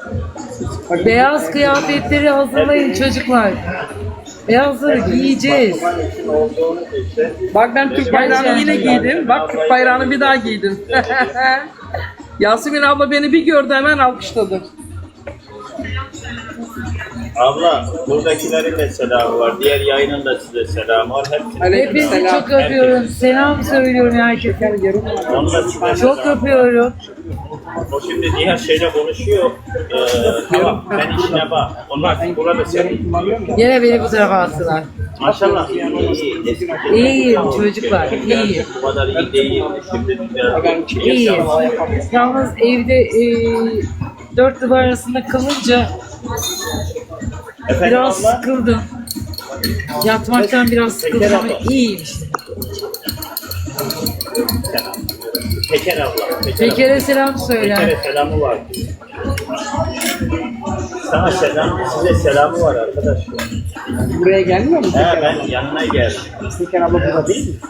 Beyaz kıyafetleri hazırlayın çocuklar. Beyazları giyeceğiz. Bak ben Türk bayrağını yine giydim. Bak Türk bayrağını bir daha giydim. Yasemin abla beni bir gördü hemen alkışladı. Abla buradakilerin de selamı var. Diğer yayının da size selamı var. Hepinizi çok öpüyorum. Selam söylüyorum herkese. Onu da size Çok selam. öpüyorum. O şimdi diğer şeyle konuşuyor. Tamam sen işine bak. Onlar burada senin. Yine beni bu tarafa attılar. Maşallah iyi. Eski İyiyim çocuklar, iyiyim. Bu kadar iyi değil. Şimdi biraz İyiyim. Yalnız evde dört duvar arasında kalınca Efendim biraz abla? sıkıldım. Yatmaktan biraz sıkıldım ama iyiyim işte. Peker abla. Peker'e selam söyle. Peker'e selamı var. Sana selam, size selamı var arkadaşlar. Buraya gelmiyor mu? He ben yanına geldim. Peker abla burada değil mi?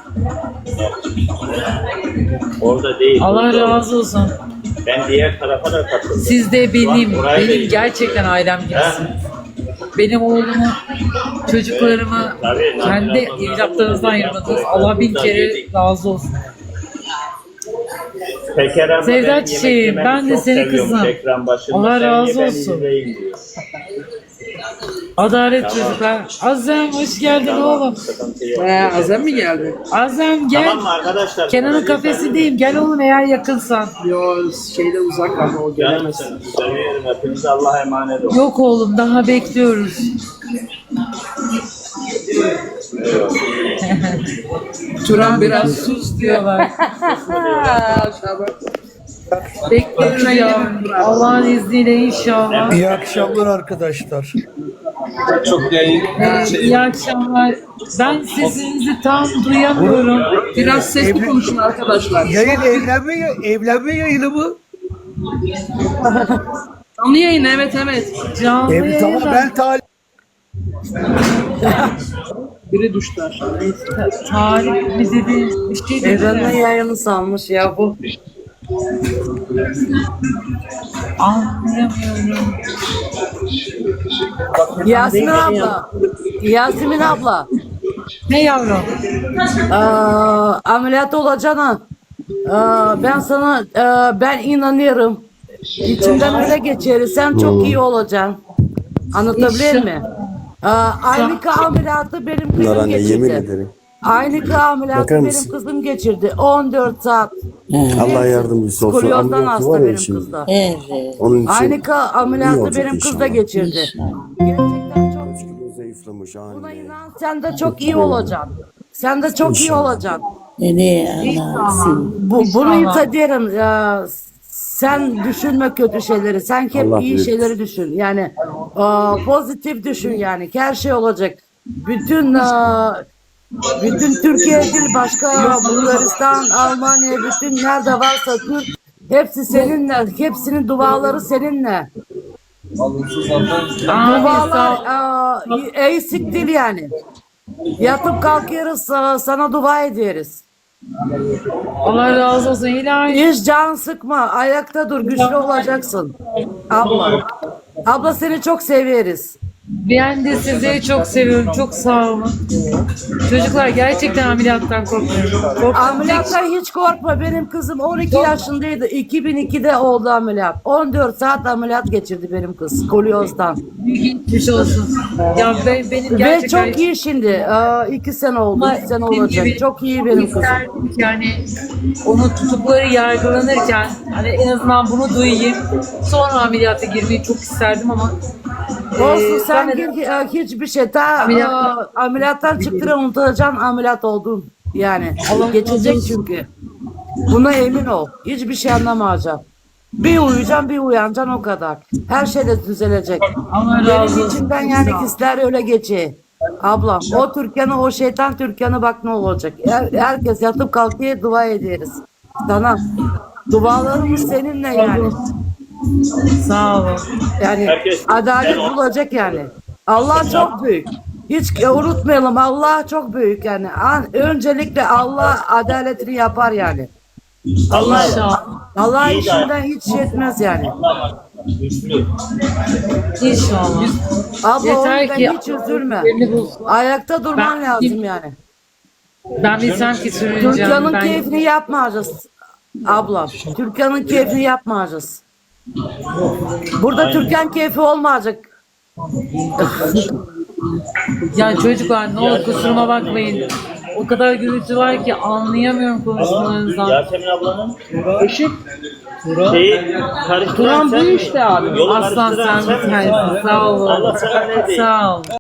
Orada değil. Allah burada. razı olsun. Ben diğer tarafa da katıldım. Siz de Buraya benim gerçekten ailem gibisiniz. Benim oğlumu, çocuklarımı Tabii, kendi tabii. evlatlarınızdan ayırmadınız. Allah bin kere razı olsun. Peker abla Sevda benim çiçeğim, yemek ben de yememi çok seni seviyormuş kızım. ekran başında. Allah Sen razı ye, ben olsun. izleyeyim diyor. Adalet çocuklar. Azem hoş geldin oğlum. Sıkıntı yok. Azem mi geldi? Azem gel. Tamam mı arkadaşlar? Kenan'ın kafesindeyim. Gel oğlum eğer yakınsan. Yo şeyde uzak ama o gelemez. Canımsın. Seviyorum. Hepinize Allah'a emanet olun. Yok oğlum daha bekliyoruz. Turan Biraz sus diyorlar. Bekliyoruz ya. Allah'ın izniyle inşallah. İyi akşamlar arkadaşlar. İyi akşamlar. Ben sesinizi tam duyamıyorum. Biraz sesli konuşun arkadaşlar. Yayın evlenme yayını mı? Canlı yayın evet. Canlı Ev, tamam yayında. ben talip. Biri düştü aşağı. Tarih mi dedi? Bir şey dedi. Evlenme yayını sanmış ya bu. Anlayamıyorum. Yasemin abla. Yasemin abla. Ne yavrum? Ameliyat olacağına. Ben sana ben inanıyorum. İçimden öyle geçer. Sen çok iyi olacaksın. Anlatabilir mi? Aynı ameliyatı benim kızım geçirdi. Aynı ameliyatı benim kızım geçirdi. 14 saat. Allah yardımcısı olsun. Skolyozdan Ameliyatı hasta var ya benim şimdi. kız da. Evet. Onun için Aynı ameliyatı olacak benim kız da inşallah. geçirdi. Gerçekten çok kaç kilo zayıflamış buna anne. inan. Sen de çok iyi olacaksın. Sen de çok iyi olacaksın. Ne anasın. Bunu hissediyorum. Sen düşünme kötü şeyleri. Sen hep Allah iyi bilir. şeyleri düşün. Yani pozitif düşün yani. Her şey olacak. Bütün Türkiye değil başka Bulgaristan, Almanya, bütün nerede varsa Türk hepsi seninle. Hepsinin duaları seninle. Dualar eksik değil yani. Yatıp kalkıyoruz sana dua ederiz. Allah razı olsun. İlahi. Hiç can sıkma. Ayakta dur. Güçlü olacaksın. Abla. Abla seni çok severiz. Ben de sizleri çok seviyorum. Çok sağ olun. Çocuklar gerçekten ameliyattan korkmuyorum. Ameliyattan hiç korkma. Benim kızım 12 yaşındaydı. 2002'de oldu ameliyat. 14 saat ameliyat geçirdi benim kız. Kolyozdan. Geçmiş olsun. Ya benim Ve gerçekten çok iyi şimdi. 2 sene oldu. 3 sene Dediğim olacak. gibi Çok iyi benim kızım. isterdim ki yani onu tutukları yargılanırken hani en azından bunu duyayım. Sonra ameliyata girmeyi çok isterdim ama Olsun sen ben de- gir, hiçbir şey. Ameliyat- Ameliyattan çıktığını unutacaksın ameliyat oldun. Yani Allah geçecek razı olsun. çünkü. Buna emin ol. Hiçbir şey anlamayacaksın. Bir uyuyacaksın bir uyanacaksın o kadar. Her şey de düzelecek. Allah razı Benim olsun. içimden yani hisler öyle geçiyor. Ablam o Türkan'ı o şeytan Türkan'ı bak ne olacak. Herkes yatıp kalkıyor dua ederiz. Sana. Dualarımız seninle yani. Sağ olun. Yani Herkes- adalet Ben- bulacak yani. Allah çok büyük. Hiç unutmayalım Allah çok büyük yani. Öncelikle Allah adaletini yapar yani. Allah Allah İyi de- işinden hiç şey etmez yani. güçlü. İnşallah. Abla Yeter o yüzden ki hiç üzülme. yerini bulsun. Ayakta durman Ben- lazım yani. Ben bilsem ki sürüneceğim. Türkan'ın Ben keyfini yapmayacağız. Abla. Türkan'ın keyfini yapmayacağız. Burada Türkan keyfi olmayacak. Ya çocuklar ne olur kusuruma bakmayın. O kadar gürültü var ki anlayamıyorum konuşmalarınızdan. Yasemin ablanın şeyi karıştıran Turan bu sen mi? işte abi. Yolu Aslan karıştıran sen bir misin? tanesin. Sağ olun. Allah sana ne diyeyim? Sağ ol.